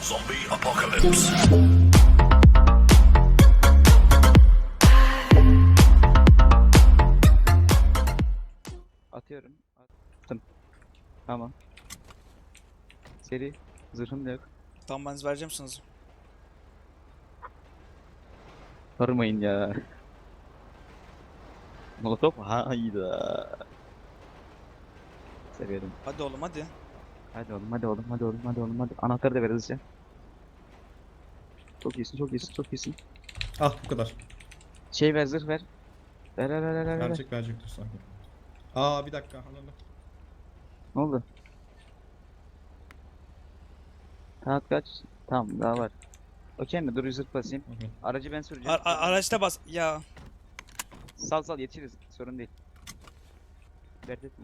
Zombie apocalypse. Atıyorum. Attım. Tamam. Seri. Zırhım da yok. Tamam ben vereceğim sana. Sormayın ya. Molotov hayda. Severim. Hadi oğlum hadi. Hadi oğlum, hadi oğlum, hadi oğlum, hadi oğlum, hadi. Anahtarı da ver hızlıca. Çok iyisin, çok iyisin, çok iyisin. Ah bu kadar. Şey ver, zırh ver. Ver. Verecek dur sakin. Aa bir dakika. Anladım. Ne oldu? Saat kaç? Tamam, daha var. Okey mi? Dur, zırh basayım. Okey. Aracı ben süreceğim. Araçta bas. Ya. Sal yetişiriz. Sorun değil. Dert etme.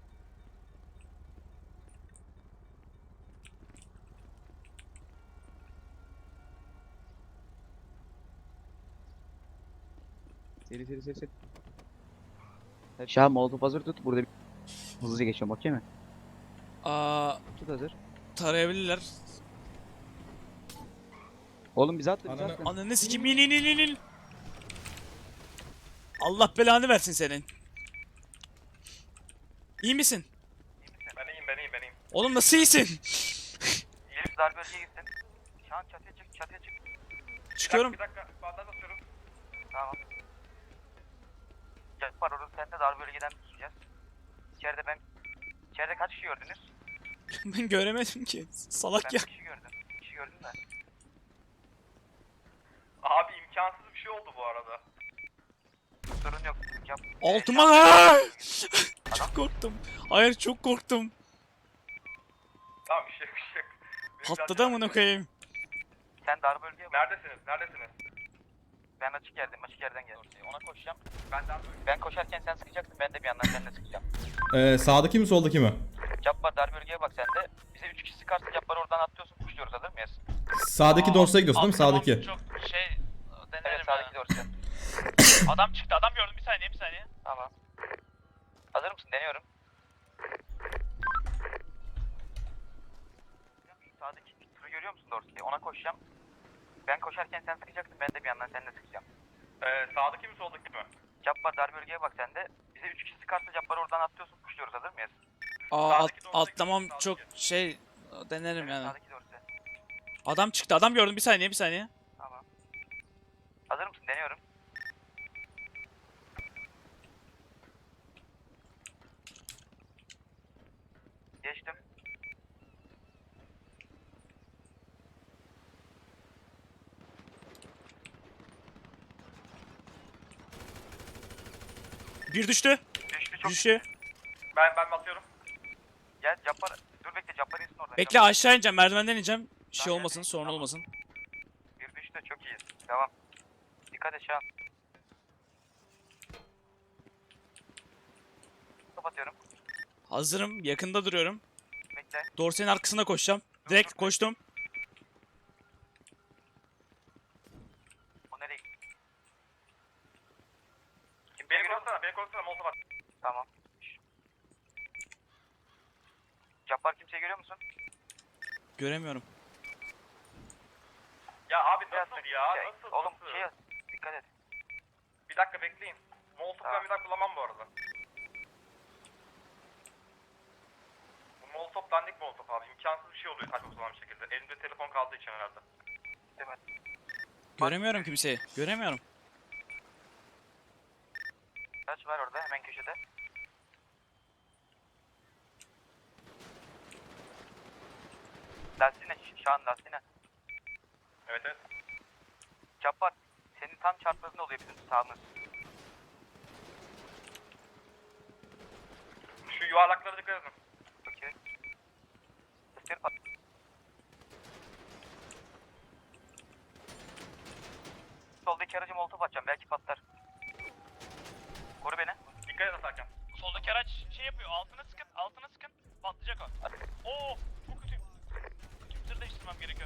Seri. Şah molotof hazır tut. Burada bir... Hızlıca geçiyorum, okey mi? Tut hazır. Tarayabilirler. Oğlum bize attı. Ananı- Ananı sikim in. Allah belanı versin senin. İyi misin? Ben iyiyim. Oğlum nasıl iyisin? Elif darbe bölgeye gitsin. Şu an çatıya çık. Çıkıyorum. Bir dakika, bandaj atıyorum. Tamam. Var orada sen de darbe bölgeden gideceğiz. İçeride kaç kişi gördünüz? Ben göremedim ki. Salak Ben ya. bir kişi gördüm. Bir kişi gördüm de. Abi imkansız bir şey oldu bu arada. Sorun yok. Altıma. Çok korktum. Hayır çok korktum. Tamam bir şey yok. Patladı amına koyayım. Sen dar bölgeye bak. Neredesiniz? Ben açık yerden geldim. Ona koşacağım. Ben koşarken sen sıkacaksın, ben de bir yandan seninle sıkacağım. Sağdaki mi soldaki mi? Cabbar dar bölgeye bak sen de. Bize 3 kişi sıkarsa Cabbar'ı oradan atlıyorsun, kuşluyoruz, hazır mıyız? Sağdaki dorsaya gidiyorsun değil mi? Sağdaki. Çok denerim evet, sağdaki dorsi. Adam çıktı, adam gördüm. Bir saniye. Tamam. Hazır mısın? Deniyorum. Sağdaki turu görüyor musun dorsiyi? Ona koşacağım. Ben koşarken sen sıkacaksın, ben de bir yandan seninle sıkacağım. Sağdaki mi soldaki mi? Cabbar dar bölgeye bak sen de. Bize 3 kişi sıkarsa Cabbar'ı oradan atlıyorsun, kuşluyoruz, hazır mıyız? Atlamam çok denerim yani. Sağdaki dorsi. Adam çıktı, adam gördüm. Bir saniye. Tamam. Hazır mısın? Deniyorum. Geçtim. Bir düştü. Düştü. Ben basıyorum. Gel Cabbar. Dur bekle, Cabbar insin oradan. Bekle aşağı ineceğim, merdivenden ineceğim. Şey olmasın, sorun olmasın. Bir düştü, çok iyiyiz. Devam. Dikkat et şu an. Kapatıyorum. Hazırım, yakında duruyorum. Bekle. Dorsenin arkasına koşacağım. Direkt koştum. O nereye gitti? Beni korusana, molotov at. Tamam. Cabbar, kimseyi görüyor musun? Göremiyorum. Ya abi Biraz nasıl ya? şey, Nasıl? Oğlum nasıl? şey yaz. Dikkat et. Bir dakika bekleyin. Molotov Tamam. ben bir daha kullanmam bu arada. Bu molotov dandik molotov abi. İmkansız bir şey oluyor saçma sapan bir şekilde. Elimde telefon kaldığı için herhalde. Değil mi? Göremiyorum kimseyi. Göremiyorum. Kaç var orada, hemen köşede. Lastiğine, şu an lastiğine. Evet. Cabbar, senin tam çarpmasında oluyor bizim sağımız. Şu yuvarlaklara dikkat edin. Okey. Isır pat. Soldaki aracı molotof atacağım, belki patlar. Koru beni. Dikkat edin Serkan. Soldaki araç şey yapıyor. Altına sıkın. Patlayacak o. Oo, çok kötü. Zırh değiştirmem gerekiyor.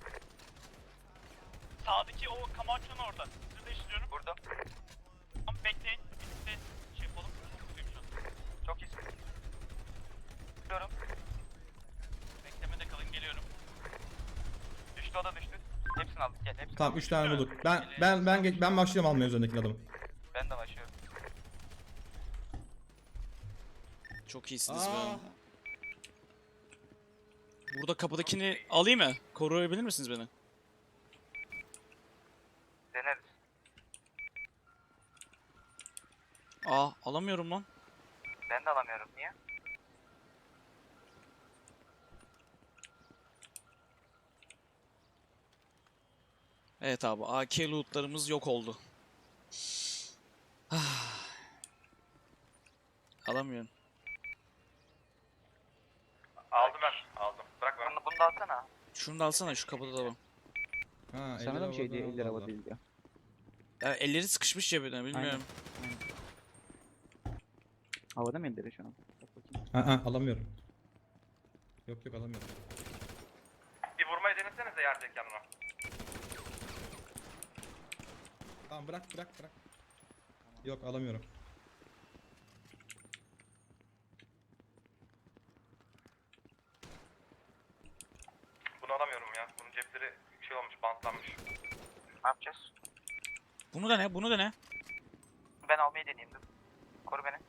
Sağdaki o Camacho'nun orada. Zırh değiştiriyorum. Vurdum. Tamam bekleyin. Birlikte şey yapalım. Çok kötüyüm şu an. Çok iyisin. Vuruyorum. Beklemede kalın, geliyorum. düştü, o da düştü. Hepsini aldık, gel hepsini. Tamam 3 tane bulduk. Ben başlıyorum almaya üzerindeki adamı. Ben de başlıyorum. Çok iyisiniz be. Burada kapıdakini alayım mı? Koruyabilir misiniz beni? Deneriz. Aa alamıyorum lan. Ben de alamıyorum, niye? Evet abi AK lootlarımız yok oldu. Ah. Alamıyorum. Aldım ben. Aldım. Bırak ben. Bunu da alsana. Şunu da alsana şu kapıda da var. Ha, Sana da mı şey elli diye lira 50 lira vallahi. değil ya. Ya elleri sıkışmış cebine bilmiyorum. Havada mı elleri şu an? Bak bakayım. Ha, alamıyorum. Yok alamıyorum. Bir vurmayı denesenize yerdeyken ona. Tamam bırak. Yok alamıyorum. Bunu alamıyorum ya. Bunun cepleri şey olmuş, bantlanmış. Ne yapacağız? Bunu da ne? Bunu da ne? Ben almayı deneyeyim dur. Koru beni.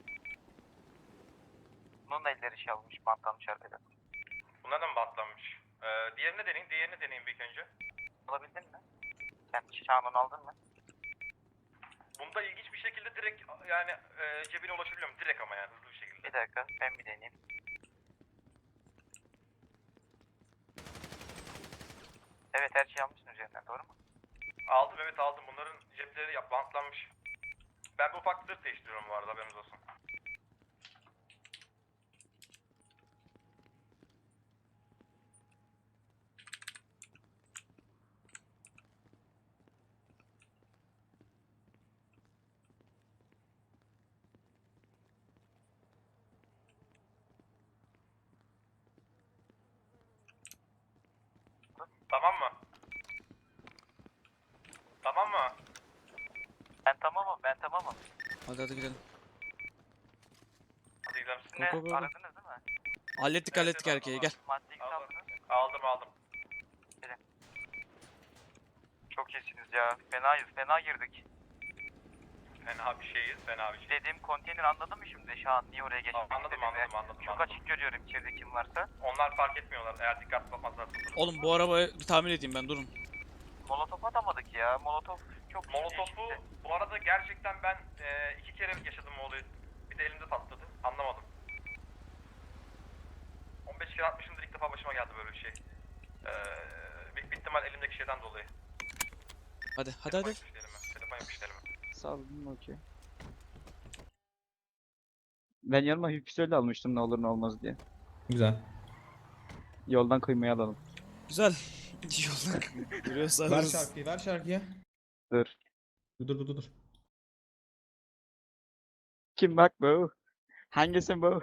Bunun da elleri şey almış, bantlanmış arkadan. Bunlar da mı bantlanmış? Diğerini deneyin bir ilk önce. Alabildin mi? Sen Şahan'ın aldın mı? Bunda ilginç bir şekilde direkt yani cebine ulaşabiliyorum. Direkt ama yani hızlı bir şekilde. Bir dakika, ben bir deneyeyim. Evet, her şeyi almışsın üzerinden, doğru mu? Aldım, evet aldım. Bunların cepleri bantlanmış. Ben bu ufak zırh değiştiriyorum bu arada, haberiniz olsun. Tamam mı? Tamam mı? Ben tamamım. Hadi gidelim. Hadi gidelim. Siz ne? Go, go, go. Aradınız değil mi? Hallettik erkeği gel. Madde X aldınız. Aldım. Çok iyisiniz ya. Fena girdik. Fena bir şeyiz. Dediğim konteyner anladın mı şimdi? Şahan niye oraya geçmek Anladım. Çok açık görüyorum içeride kim varsa. Onlar fark etmiyorlar eğer dikkatli bakmazlarsa. Oğlum bu arabayı bir tamir edeyim ben durun. Molotof atamadık ya. Molotof çok Molotof'u bu arada gerçekten ben 2 kere yaşadım o olayı. Bir de elimde patladı. Anlamadım. 15 kere atmışımdır, ilk defa başıma geldi böyle bir şey. Büyük bir ihtimal elimdeki şeyden dolayı. Hadi. Telefon yapıştı elime. Sağ olun, okey. Ben yanıma hüpsöyle almıştım ne olur ne olmaz diye. Güzel. Yoldan kıymayı alalım. Güzel. Yolda duruyorsa Ver alırız. şarkıyı. Dur. Dur. Kim bak bu? Hangisi bu?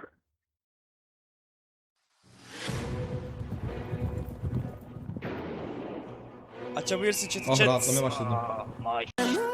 Açabilirsin chat'i Ah chat. rahatlamaya başladım. Maaş.